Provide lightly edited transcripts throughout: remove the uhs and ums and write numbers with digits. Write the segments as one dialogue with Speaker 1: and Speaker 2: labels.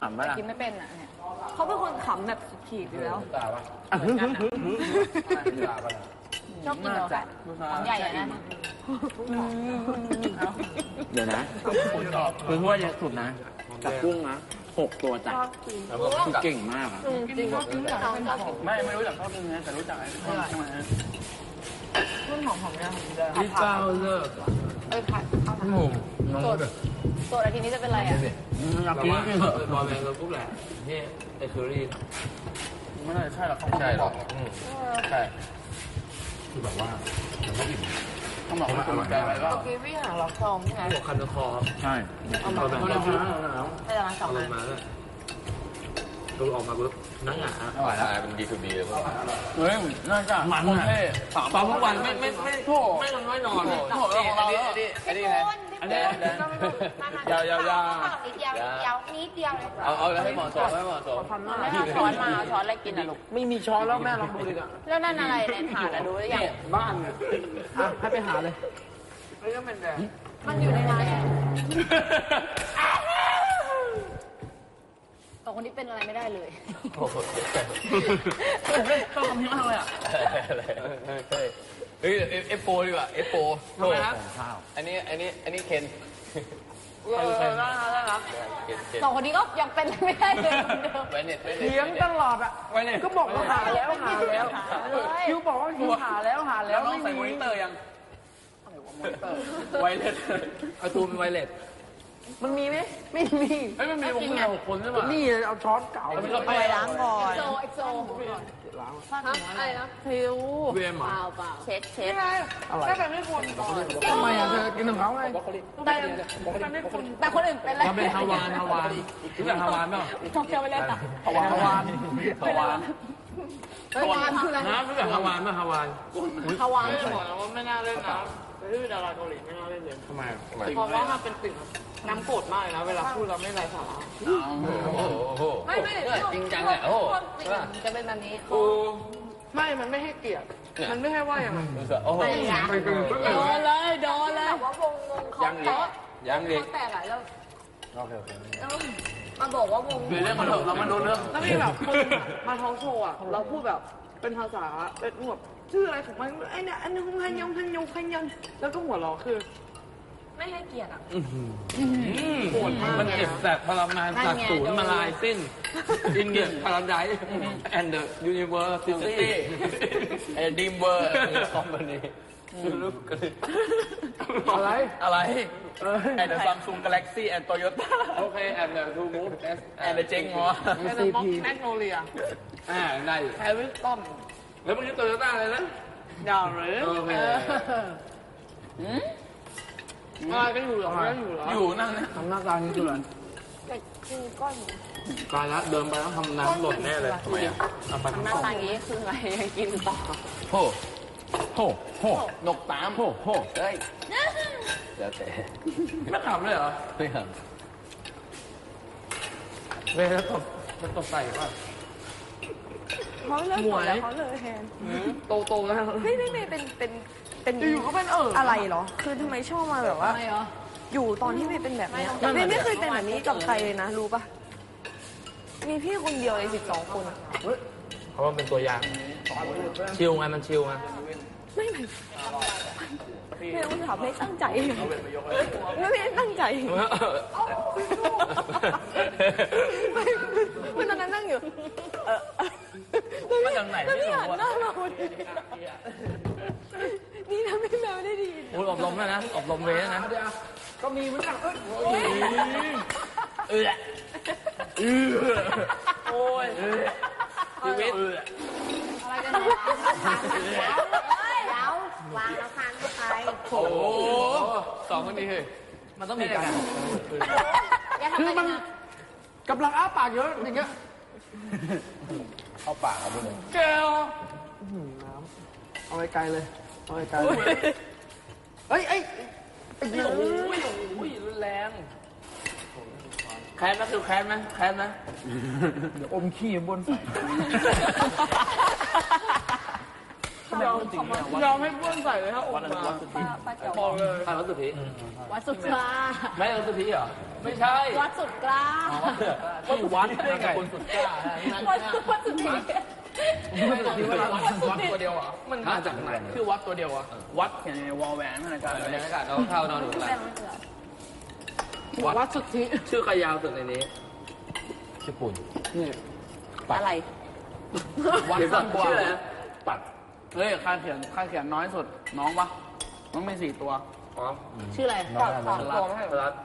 Speaker 1: ขำปะล่ะ
Speaker 2: กินไม่เป็นอ่ะเนี่ยเขาเป็นคนขำแบบขีดอยู่แล้วชอบกินเหรอของใหญ่อะนะ
Speaker 1: เดี๋ยวนะคือถ้วยเยอะสุดนะกับกุ้งนะ6 ตัวจ้ะคือเก่งมากอ่ะ
Speaker 2: จริงชอบกินกับเขา
Speaker 3: ไม่รู้จักชอบกินนะแต่รู้จักไอ้ข้าวใช่ไหม
Speaker 2: รุ่นหอมๆเนี่ย
Speaker 3: พี่เจ้าเลิก
Speaker 2: ผัดข้าวผัด
Speaker 3: น้องแบบ
Speaker 2: ตัวอาทิตย์นี้จะเป็นอะไรอ่ะ
Speaker 1: อยากกินก็กินเถอะ
Speaker 3: ตอนแรกเราปุ๊บแหละนี่ไอ้เคอรี่ไม่น่าใช่หรอกใช่หรอกใช่คือแบบว่าต้องบอกว่าอร่อยมาก
Speaker 2: เมื่อกี้พี่หาล็อกทองใช่ไหม
Speaker 3: หัวคันคอ
Speaker 1: ใช่
Speaker 3: เอามาเป็นแล้ว
Speaker 2: ไปร้านสอง
Speaker 3: ล
Speaker 2: อั
Speaker 3: ง
Speaker 2: น
Speaker 3: มาแล้วดูออกมาปุ๊บนั่งหงาอร่อยแล้วเป็นดีทูดีเลยเฮ้ยน่าจะมันอ่ะตอนทุกวันไม่ไม่นอนโถของเราไอ้นี่ไงอันนี้ยา
Speaker 4: นิดเดียวเลย
Speaker 3: เอาให้เหมาะสมให้เหมาะสม
Speaker 2: ไม่เอาช้อนมาเอาช้อนอะไรกินอ่ะลูก
Speaker 1: ไม่มีช้อนแล้วแม่ลองดูดิอ่ะ
Speaker 2: แล้วนั่นอะไรในถาดอะดูหรือยัง
Speaker 1: บ้านเนี่ยให้ไปหาเลย
Speaker 2: มันอยู่ในนั้นสองคนนี้เป็นอะไรไม่ได้เลย
Speaker 3: โอ้โห
Speaker 1: ต้องทำที่มากเลยอ่ะ
Speaker 3: เฮ้ยเอฟโปดีกว่าเอฟโปโอ้อันนี้เคน
Speaker 2: ได้ครับสองคนนี้ก็ยังเป็นไม่ได้เลย
Speaker 3: ไวเน็ต
Speaker 1: เถียงตลอดอ่ะก็บอกว่าหาแล้วคิวบอกว่าคิวหาแล้วไม่มีมอนิเตอร์ยังไวเลสไอตูนเป็นไวเลสมันมีไหมไม่มี
Speaker 3: มันมีวงเงิน6 คนใช่ป่ะ
Speaker 1: นี่เอาช้อนเก่า
Speaker 2: ไปล้างก่อนเอ็กโซอะไรนะทิว
Speaker 3: เวียม
Speaker 2: เปล่าเช็ด
Speaker 1: อะไร
Speaker 2: ก็เป็นไม่ควรก่อน
Speaker 1: ทำไมอ่ะเธอกินของเขาไง
Speaker 2: แต่คนอื่นเป็นอะไร
Speaker 3: มันเป็นฮาวานรู้จักฮาวานป่ะ
Speaker 2: ชอบเที่ยวไปเล่นอ่ะ
Speaker 1: ฮาวาน
Speaker 2: ฮาวานคืออะไร
Speaker 3: นะรู้จักฮาวานป่ะฮาวาน
Speaker 2: ฮาวาน
Speaker 5: บอกแล้วว่าไม่น่าเล่นนะที่ดาราเกาหลีไม่น่าเล่นเลย
Speaker 3: ทำไม
Speaker 5: เพราะว่ามันเป็นติ่งน้ำโกรธมากเลยนะเวลาพูดเราไม่ไร้สาระ
Speaker 3: โอ้โหจริงจังอ่ะโอ้
Speaker 2: จะเป็นแบบนี้
Speaker 5: ไม่มันไม่ให้เกียรติมันไม่ให้ว่าอย่างไร
Speaker 3: โอ้โห
Speaker 2: โดนเลยว่าวงเขา
Speaker 3: ยังเด็ก
Speaker 2: แตกอะแล้ว
Speaker 3: โอเค
Speaker 2: มาบอกว่าวง
Speaker 3: เรื่องมันเถอะเรามาดูเรื่อง
Speaker 5: แล้วมีแบบคนมาทอล์กโชว์อ่ะเราพูดแบบเป็นภาษาเป็นแบบชื่ออะไรของมันไอ้เนี่ยอันนึงพันยงแล้วก็หัวเราะคือไม่ให้เกียรติอ่ะโหดมาก
Speaker 3: มันเจ็บแสบพลังงานจากศูนย์มาลายสิ้นอินเดียพาราไดซ์แอนด์เดอะยูนิเวอร์ซิตี้ดีมเวอร์คอมพานีอะไรแอนด์เดอะซัมซุงกาแล็กซี่แอนด์โตโยต้าโอเคแอนด์เดอะทูมูฟแอนด์เดอะเจงงอ
Speaker 5: แอนด์ม็อกแมกโนเลีย
Speaker 3: ได้
Speaker 5: แฮร์ริสตัน
Speaker 3: แล้วมึงจะโตโยต้าอะไรนะ
Speaker 5: ดาวหรือ
Speaker 3: โอเค
Speaker 5: อะไรก็อยู่หรอ
Speaker 3: อยู่นั่งนะ
Speaker 1: ทำหน้าตานี้คืออะไร
Speaker 3: ตายแล้วเดินไปต้องทำน้ำหล่นแน่เลยทำไมอ่ะเอาไป
Speaker 2: หน้าตาอย่างนี้คืออะไรกินต่อ
Speaker 3: โหนกตามโหเฮ้ยแล้วแต่ไม่ขำเลยเหรอไม่ขำเลยแล้วตบใส่ป่ะ
Speaker 2: เขาเลิกหมดแล้วเขาเลยแทน
Speaker 5: โตแล้ว
Speaker 2: ไม่เป็น
Speaker 5: อยู่เขาเป็น
Speaker 2: อะไรเหรอคือทำไมชอบมาแบบว่าอยู่ตอนที่ไม่เป็นแบบนี้ไม่เคยเป็นแบบนี้กับใครเลยนะรู้ปะมีพี่คนเดียวเลย12 คน
Speaker 3: เพราะว่าเป็นตัวอย่างชิลไงมันชิลไง
Speaker 2: ไม่รู้ถามไม่ตั้งใจไม่ได้ตั้งใจมันตอนนั้นนั่งอยู่
Speaker 3: มาจากไหนไม่รู้ว่า
Speaker 2: นี่นะไม่แมวได้ดี
Speaker 3: อบรมแล้วนะอบรมเวทนะ
Speaker 1: ก็มีเหมือนกัน
Speaker 3: โอ้ยชีวิต
Speaker 4: อะไรกันเนี่ยวางแล้วพานเข้าไป
Speaker 3: โอ้สองคนนี้เฮ้ย
Speaker 1: มันต้องมีกันคือมันกำลังอ้าปากเยอะอย่างเงี้ยเข้าปากครับพี่เลย
Speaker 5: แก้ว
Speaker 1: น้ำเอาไกลเลยเอาไกลเฮ้ย
Speaker 3: โอ้ยรุนแรงแค้นไหมคือแค้นไหม
Speaker 1: เดี๋ยวอมขี้บนใส่
Speaker 5: ยอมให้บ้วนใส่เลยถ้าอมมาบอกเลย
Speaker 3: ใครวัดสุธี
Speaker 2: วัดสุธา
Speaker 3: ไม่วัดสุธีเหรอไม่ใช่
Speaker 4: วัดสุดกล้า
Speaker 3: ชื่อวัดได้ไงคนสุดกล้า
Speaker 4: วัดสุดที่
Speaker 1: วัดตัวเดียวเหรอมันมาจากไหนคือวัดตัวเดียวอ่ะวัดเขียนในวอลแหวนอะไรกัน
Speaker 3: บรรยากาศเราเข้านอนดูอะไร
Speaker 5: วัดสุทธิ
Speaker 1: ชื่อใครยาวสุดในนี้
Speaker 3: ชื่อปุ่น
Speaker 1: นี่
Speaker 4: อะไร
Speaker 1: วัดสั้นกว่า
Speaker 3: ชื่ออะไรนะ
Speaker 1: ปัดเฮ้ยค่าเขียนน้อยสุดน้องปะน้องมี4 ตัว
Speaker 3: อ๋อ
Speaker 4: ชื่ออะไร
Speaker 3: น้องตัวไม่ให้รัด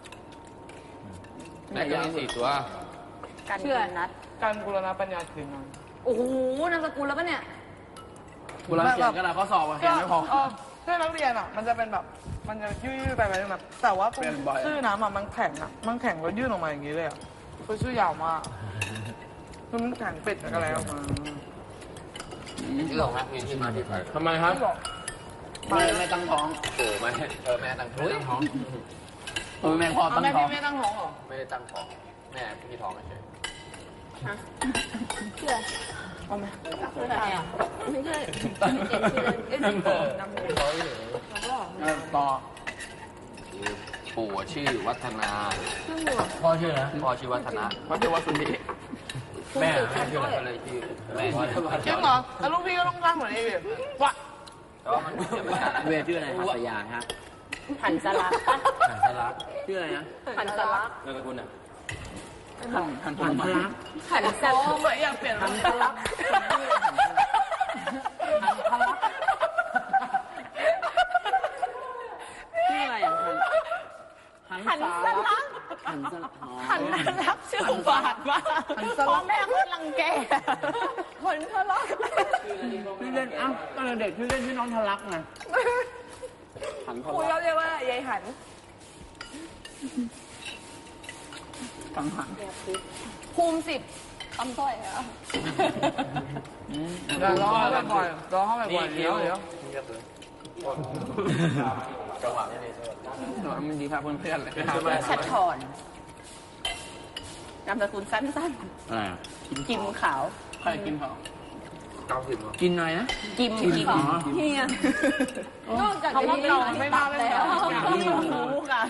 Speaker 3: ไหนจะมี4 ตัว
Speaker 4: การชื่อนัด
Speaker 5: การบูรณะปัญญาคืนนั้น
Speaker 4: โอ้โหนามสกุลแล้วปะเนี่ย
Speaker 1: เวลาเขียนกระดาษข้อสอบเขียนไม่พอ
Speaker 5: เพื่อนนักเรียนอ่ะมันจะเป็นแบบมันจะยืดไปแบบแต่ว่าตรง
Speaker 1: เปลี่ยนบ่อย
Speaker 5: ชื่อน้ำอ่ะมันแข็งแล้วยื่นออกมาอย่างนี้เลยอ่ะคือชื่อยาวมากคือมันแข็งเป็ดอะไรออกมา
Speaker 3: ที่หลงครับมีที่มาที่ไปทำไมครับ
Speaker 1: ไม่ตั้งท้อง
Speaker 3: โอ้ไม่แม่ตั้งท้อง
Speaker 1: แม่พ่อตั้ง
Speaker 5: แม่
Speaker 1: ท้อ
Speaker 5: พี่
Speaker 1: ง
Speaker 5: ไม่ตั้งท้องหรอ
Speaker 3: ไม่ได้ตั้งท้องแม่พี่ท้องเฉย
Speaker 4: ชื่ออะไร
Speaker 5: เอาไหม
Speaker 4: ชื่ออะไรอ่ะไม่ใช่
Speaker 1: ต่อ
Speaker 3: ปู่ชื่อวัฒนา
Speaker 1: พ่อชื่อนะ
Speaker 3: พ่อชื่อวัฒนะ
Speaker 1: พ่อชื่อว่าสุนี
Speaker 3: แม่ชื่ออะไรก็เลยชื่อแม่
Speaker 5: จริงเหรอแล้วลูกพี่ก็ต้องตั้งเหมือนเอเววะ
Speaker 3: แต่ว่ามันเขียนไม่ชัด
Speaker 1: เวชื่ออะไรหัสยาฮะ
Speaker 4: หันสลักปะ
Speaker 3: หันสลัก
Speaker 1: ชื่ออะไรนะ
Speaker 4: หันสลัก
Speaker 3: นามสกุลอ่ะ
Speaker 1: หันพลัก
Speaker 4: หันสลัก
Speaker 5: ไม่อยากเปลี่ยนหันทะลัก
Speaker 1: ชื่ออะไรอ่ะหัน
Speaker 4: หันสลัก
Speaker 1: หันสลัก
Speaker 4: หันสลักชื่อบาดมากพ่อแม่คนรังแกคนทะเลาะ
Speaker 1: ชื่อเล่นอ้าวตอนเด็กชื่อเล่นชื่อน้องทะลักไงหันทะ
Speaker 2: คุย
Speaker 1: ลัก
Speaker 2: เขาเรียกว่ายายหัน
Speaker 1: กังหัน
Speaker 4: ภูมิ10คำสร้อยอ่ะ
Speaker 5: เดี๋ยวรอเข้าไปบ่อยรอเข้าไปบ่อยเดี๋ยว
Speaker 3: จังหวะไม่ดี
Speaker 1: มันดีครับเพื่อนๆเลย
Speaker 4: ชัดถอนนามสกุลสั้น
Speaker 1: อะไรอ่ะ
Speaker 4: ๆกิมขาว
Speaker 1: ใครกินเขา
Speaker 3: 90มั้ง
Speaker 1: กินอะไรนะ
Speaker 4: กิม
Speaker 2: เฮีย
Speaker 4: นอกจากจะมีไม่บ้าแล้วมุกอ่ะ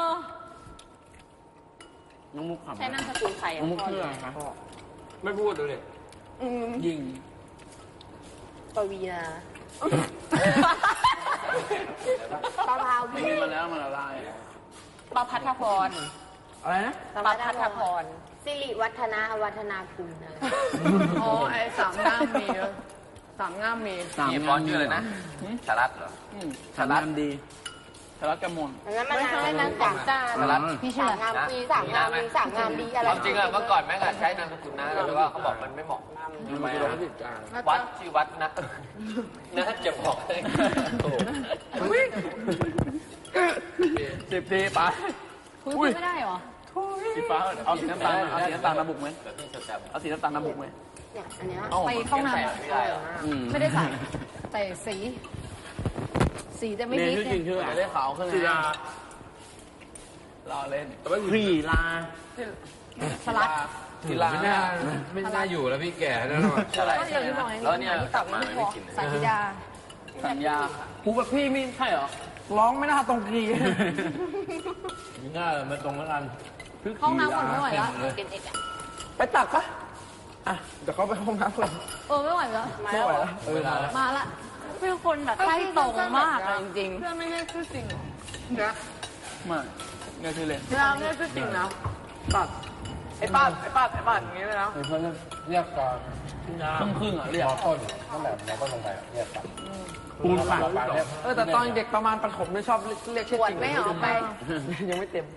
Speaker 1: น้องมุกขับ
Speaker 4: ใช้นามสกุลใคร
Speaker 1: น้
Speaker 4: อ่ะ
Speaker 1: องมุกชื่ออะไรครับ
Speaker 3: ไม่พูดดูดิ
Speaker 1: ยิง
Speaker 4: ปวีนาปะพาว
Speaker 1: มัน
Speaker 4: พี่
Speaker 1: มีมาแล้วมันละลาย
Speaker 4: ปะพัทพร
Speaker 1: อะไรนะ
Speaker 4: ปะพัทพร
Speaker 6: สิริวัฒนาวัฒนาคุณอะไร
Speaker 5: อ๋อไอ้สามง่ามมี
Speaker 3: มีฟอนต์ชื่ออะไรนะสารัตเหรอ
Speaker 1: สารัตดีสารัตกมล
Speaker 6: แล้วมันอะไรนะสามจาน
Speaker 3: สารัต
Speaker 4: พี่ชื่อ
Speaker 6: สาม
Speaker 4: อะไร
Speaker 6: งามปีสามงามมีสามงามดีอะไร
Speaker 3: ความจริงอะเมื่อก่อนแม่งอะใช้นามสกุลนะแต่ว่าเขาบอกมันไม่เหมาะทำไมอะวัดชื่อวัดนะน่าจะบอกเลยโอ้โห
Speaker 1: 10 ปีไป
Speaker 4: คุยไม่ได้เหรอ
Speaker 1: สีฟ้าเอาสีน้ำตาลเอาสีน้ำตาลมาบุกไหม
Speaker 3: แบบที่จดจำ
Speaker 1: เอาสีน้ำตาลมาบุกไหม
Speaker 6: เนี่ยอันเนี้ย
Speaker 4: ไปเข้าห้องน้
Speaker 3: ไม่ได้หรอ
Speaker 4: ำไม่ได้ใส่แต่สีจะไม่
Speaker 1: เรียน
Speaker 4: นิด
Speaker 1: ชื่อจริง
Speaker 4: เนี่ย
Speaker 1: ชื่ออะไรได้ขาวขึ้นเลยรอเล่นพรีลา
Speaker 4: สลัด
Speaker 1: กีฬา
Speaker 3: ไม่น่าอยู่แล้วพี่แก่แล้วหรออะไร
Speaker 4: ก็อย่างที่บอกไง
Speaker 3: แล้วเนี่ย
Speaker 4: ที่
Speaker 3: ก
Speaker 4: ตั
Speaker 3: ลั
Speaker 4: บบ
Speaker 3: มา
Speaker 4: ไม่พ
Speaker 3: ไม่
Speaker 4: อ
Speaker 3: กิน
Speaker 4: สายพิดา
Speaker 1: สัญญาครูแบบพี่ไม่ใช่เหรอ
Speaker 5: ร้องไม่น่าตรงกี
Speaker 3: ง่ายมันตรงแล้วกัน
Speaker 4: ห้องน้ำก่อนไม่ไหวแล้ว
Speaker 6: เป็นเอกอะ
Speaker 5: ไปตักปะอ่ะเดี๋ยวเขาไปห้องน้ำก่อน
Speaker 4: ไม่ไหวแล้ว
Speaker 5: ไม่ไหวแล้ว
Speaker 3: เวลา
Speaker 4: มาละเป็นคนแบบใกล้ตรงมากอะจริง
Speaker 5: เพื่อนไม่ได้ชื่อจริงเหรอเนี่ย
Speaker 1: ไม่เนี่ยชื่อเล่น
Speaker 5: เวลาไม่ได้ชื่อจริงนะปัดไอ้ปัดอย่างงี้เลยนะ
Speaker 3: เพื่อนเรียกก่อน
Speaker 1: ครึ่งอ่ะเรียก
Speaker 3: ต้นนั่นแหละเราก็ลงไปเรียกกัน
Speaker 1: ปูนฝัง
Speaker 5: แต่ตอนเด็กประมาณประถมไม่ชอบเรียกชื่อ
Speaker 4: ปวด
Speaker 5: จริง
Speaker 4: ไม่ออกไป
Speaker 5: ยังไม่เต็ม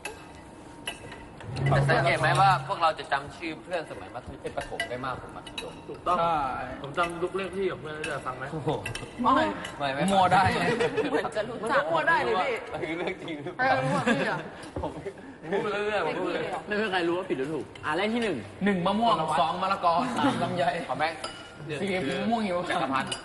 Speaker 3: แต่สังเกตไหมว่าพวกเราจะจำชื่อเพื่อนสมัยมัธยมประถมได้มากกว่ามัธยม
Speaker 1: ถูกต้อง
Speaker 3: ผมจำลูกเลขที่กับเพื่อนได้ฟังไหม
Speaker 1: ไม่มัวได้
Speaker 4: เหมือนจะรู้จัก
Speaker 5: มั่วได้เลยพี่
Speaker 3: คือเรื่องจริงหรือเป
Speaker 5: เอ
Speaker 3: ล่า
Speaker 5: อรู้ว่าพี่อ่ะ
Speaker 3: ผมพูดเรื่องผมพูดเลย
Speaker 1: ไม่มีใครรู้ว่าผิดหรือถูกเลขที่หนึ่งมะม่วง2มะละกอ3ลำไย
Speaker 3: ขอแม่ง
Speaker 1: 4มะม่วงหิว
Speaker 3: จักรพันธ์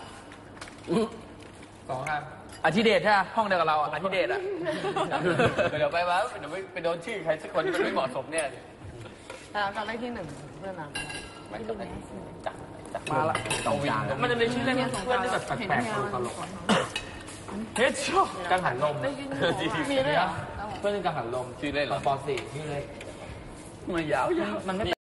Speaker 3: 2ครับ
Speaker 1: อาทิเดชใช่ไหมห้องเดียวกับเราอาทิเดชอ่ะ
Speaker 3: เดี๋ยวไปว่าเดี๋ยวไปโดนชื่อใครสักคนที่มันไม่เหมาะสมเนี่ย
Speaker 5: แต่จำได้ที่หนึ่งเพื่อนนะ
Speaker 3: ไม่จำเป็นจัก
Speaker 1: มาละตรงกลาง
Speaker 3: มันจะมีชื่อเล่นเพื่อนที่แบบแปลกๆตลก
Speaker 1: เฮ็ดช็อ
Speaker 3: กังหันลม
Speaker 5: มีด้วยเหรอ
Speaker 3: เพื่อนกังหันลม
Speaker 1: ชื่อเล่นเหรอ
Speaker 3: ป .4 ชื่อเล่น
Speaker 1: มันยาวๆ
Speaker 3: มันไม่